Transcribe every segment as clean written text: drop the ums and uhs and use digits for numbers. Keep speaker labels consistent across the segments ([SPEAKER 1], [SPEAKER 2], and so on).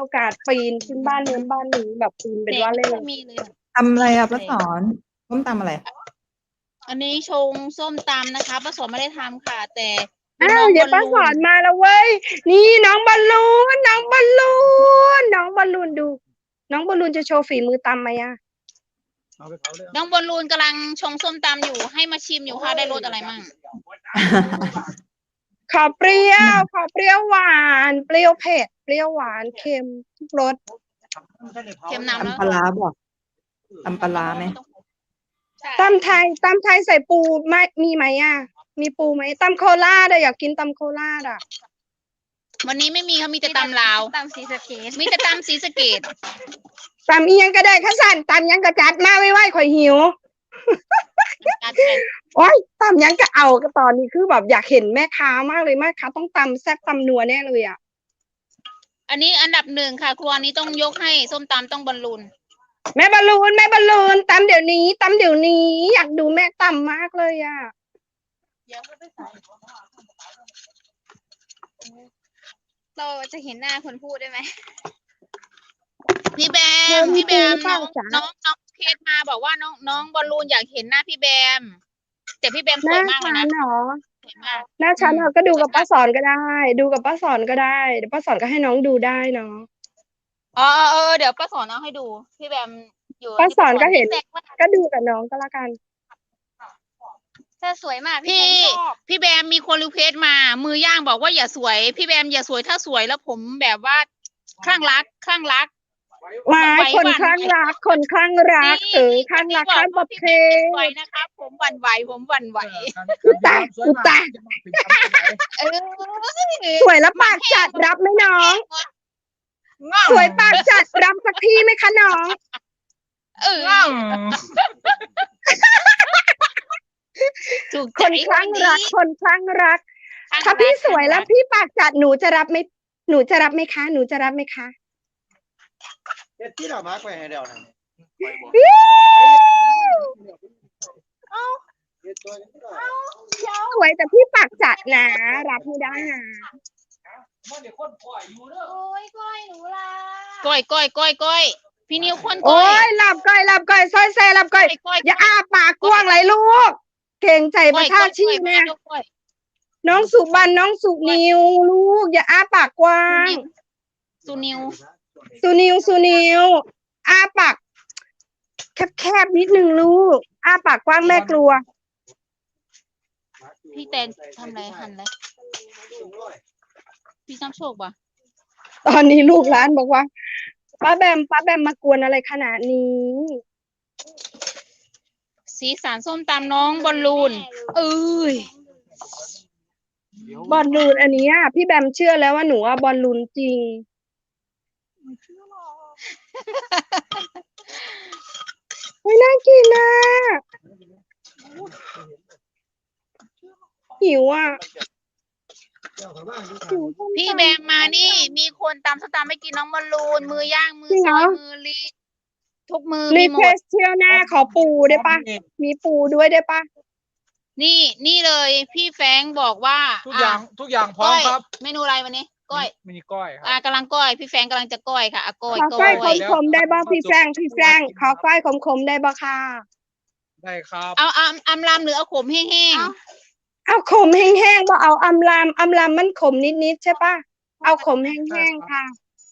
[SPEAKER 1] โอกาสปีนขึ้นบ้านนู้นบ้านนี้แบบปีนเป็นว่าเล่น
[SPEAKER 2] มีเลย
[SPEAKER 3] ทำอะไรอ่ะป้าสอนต้มตำอะไร
[SPEAKER 2] อันนี้ชงส้มตำนะคะป้าสอนไม่ได้ทำค่ะ แต่
[SPEAKER 1] อ้าวเดี๋ยวป้าสอนมาแล้วเว้ยนี่น้องบอลลูนน้องบอลลูนน้องบอลลูนดู น้องบอลลูนจะโชว์ฝีมือตำไหมอะ
[SPEAKER 2] น้องบอลลูนกำลังชงส้มตำอยู่ให้มาชิมอยู่ค่ะได้รสอะไรมั่ง
[SPEAKER 1] ขอเปรี้ยวหวานเปรี้ยวเผ็ดเปรี้ยวหวานเค็มทุกรส
[SPEAKER 2] เค็มน้ำแล้ว
[SPEAKER 3] ตำปลาร้าบอกตำปลาร้าไหม
[SPEAKER 1] ตำไทยใส่ปูไม่มีไหมอะมีปูไหมตำโคราชอะอยากกินตำโคราชอะ
[SPEAKER 2] วันนี้ไม่มีเขามีแต่ตำลาวตำสีสะเกดมีแต่ตำสีสะเกด
[SPEAKER 1] ตำอียังก็ได้ข้าสั่นตำยังกระจัดมาไว้ข่อยหิวโอ้ยตำยังก็เอาก็ตอนนี้คือแบบอยากเห็นแม่ค้ามากเลยแม่ค้าต้องตำแซ่บตำนัวแน่เลยอะ
[SPEAKER 2] อันนี้อันดับ1ค่ะครัวนี้ต้องยกให้ส้มตำต้องบอลลูน
[SPEAKER 1] แม่บอลลูนตำเดี๋ยวนี้อยากดูแม่ตำมากเลยอะ
[SPEAKER 2] เราจะเห็นหน้าคนพูดได้ไหมพี่แบมน้องเพจมาบอกว่าน้องบอลลูนอยากเห็นหน้าพี่แบมแต่พี่แบมสวยมากเลยนะ
[SPEAKER 1] หน้าฉันเหรอ
[SPEAKER 2] สวยมาก
[SPEAKER 1] หน้าฉันก็ดูกับป้าสอนก็ได้ ดูกับป้าสอนก็ได้เดี๋ยวป้าสอนก็ให้น้องดูได้เนาะ
[SPEAKER 2] เดี๋ยวป้าสอนเอาให้ดูพี่แบมอยู่
[SPEAKER 1] ป้าสอนก็เห็นก็ดูกับน้องก็แล้วกัน
[SPEAKER 2] เธอสวยมากพี่แบมมีคนรีเควสมามือย่างบอกว่าอย่าสวยพี่แบมอย่าสวยถ้าสวยแล้วผมแบบว่าคลั่งรัก
[SPEAKER 1] หมายคนคลั่งรักคลั่งรักคลั่งรักข้ามประเพณี
[SPEAKER 2] นะคะผมหวั่นไหว
[SPEAKER 1] อุตายสวยแล้วปากจัดรับไหมน้องสวยปากจัดรับสักทีไหมคะน้องคนคลั่งรักถ้าพี่สวยแล้วพี่ปากจัดหนูจะรับไหมคะ
[SPEAKER 4] ที่เรามาร์กไว้ให้เดียวนะ
[SPEAKER 1] สวยแต่พี่ปากจัดนะรับไม่ได้นะ
[SPEAKER 2] ก้อยพี่นิวคนก้อย
[SPEAKER 1] โอ้ยหลับก้อยซอยแซ่หลับก้อยอย่าอ้าปากกว้างเลยลูกเก่งใจประชาชีพเนี่ยน้องสุบันน้องสุนิวลูกอย่าอ้าปากกว้าง
[SPEAKER 2] สุนิว
[SPEAKER 1] อ้าปากแคบนิดนึงลูกอ้าปากกว้างแม่กลัว
[SPEAKER 2] พี่แตนทำอะไรหันเลยพี่ซ้ำโชคป่ะ
[SPEAKER 1] ตอนนี้ลูกร้านบอกว่าป้าแบมมากวนอะไรขนาดนี้
[SPEAKER 2] สีสันส้มตำน้องบอลลูน
[SPEAKER 1] บอลลูนอันนี้พี่แบมเชื่อแล้วว่าหนูบอลลูนจริงไม่น่ากินนะหิว
[SPEAKER 2] พี่แบมมานี่มีคนตำส้มตำไม่กินน้องบอลลูนมือย่างมือซอยมือลีทุกมือ
[SPEAKER 1] รีเควสเที่ยวหน้าขอปูได้ปะมีปูด้วยได้ปะ
[SPEAKER 2] นี่เลยพี่แฟงบอกว่า
[SPEAKER 4] ทุกอย่างพร้อมครับ
[SPEAKER 2] เมนูอะไรวันนี้ก้อย
[SPEAKER 4] มีก้อยครับ
[SPEAKER 2] กำลังก้อยพี่แฟงกำลังจะก้อยค่ะก้อย
[SPEAKER 1] ขอก้อยขมได้บ่พี่แฟงขอก้อยขมได้บ่ค่ะ
[SPEAKER 4] ได้ครับ
[SPEAKER 2] เอาอำลำหรือเอาขมแห้ง
[SPEAKER 1] เอาขมแห้งๆบ่เอาอำลำมันขมนิดใช่ปะเอาขมแห้งๆค่ะ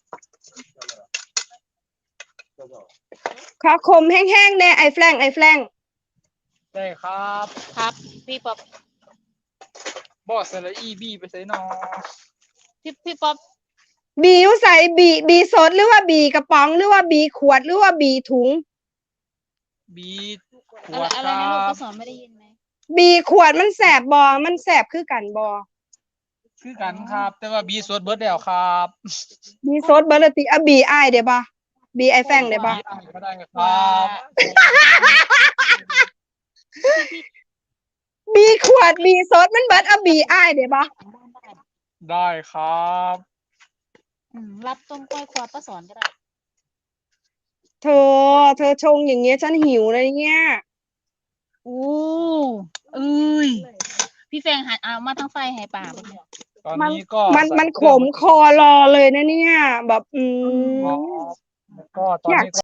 [SPEAKER 1] ขอขมแห้งๆแน่ไอ้แฟง
[SPEAKER 4] ได้ครับ
[SPEAKER 2] พี่ป๊อป
[SPEAKER 4] บอสละอีบีไปใส่นอ
[SPEAKER 2] พี่ป๊อป
[SPEAKER 1] บีอยู่ใส่บีสดหรือว่าบีกระป๋องหรือว่าบีขวดหรือว่าบีถุง
[SPEAKER 4] บีขวด
[SPEAKER 2] อะไรนะลูกก็สอนไม่ได้ยินไหม
[SPEAKER 1] บีขวดมันแสบบอมันแสบคือกัน
[SPEAKER 4] ครับแต่ว่าบีสดเบิร์ดแล้วครับ
[SPEAKER 1] บีสดเบิร์ดติบีไอเดี๋ยวบ่บีไอแฟงเดี๋ยวบ่
[SPEAKER 4] ก็ได้ครับ
[SPEAKER 1] บีขวดบีสดมันเบิร์ดบีไอเดี๋ยวบ่
[SPEAKER 4] ได้ครับ
[SPEAKER 2] รับต้มก้อยควาป้าสอนก็ได้
[SPEAKER 1] เธอชงอย่างเงี้ยฉันหิวเลยเนี่ย
[SPEAKER 2] พี่แฟงหันเอามาทั้งไฟให้ป่า
[SPEAKER 4] ตอนนี้ก็
[SPEAKER 1] มันขมคอรอเลยนะเนี่ย แบบ
[SPEAKER 4] ก็ตอนนี้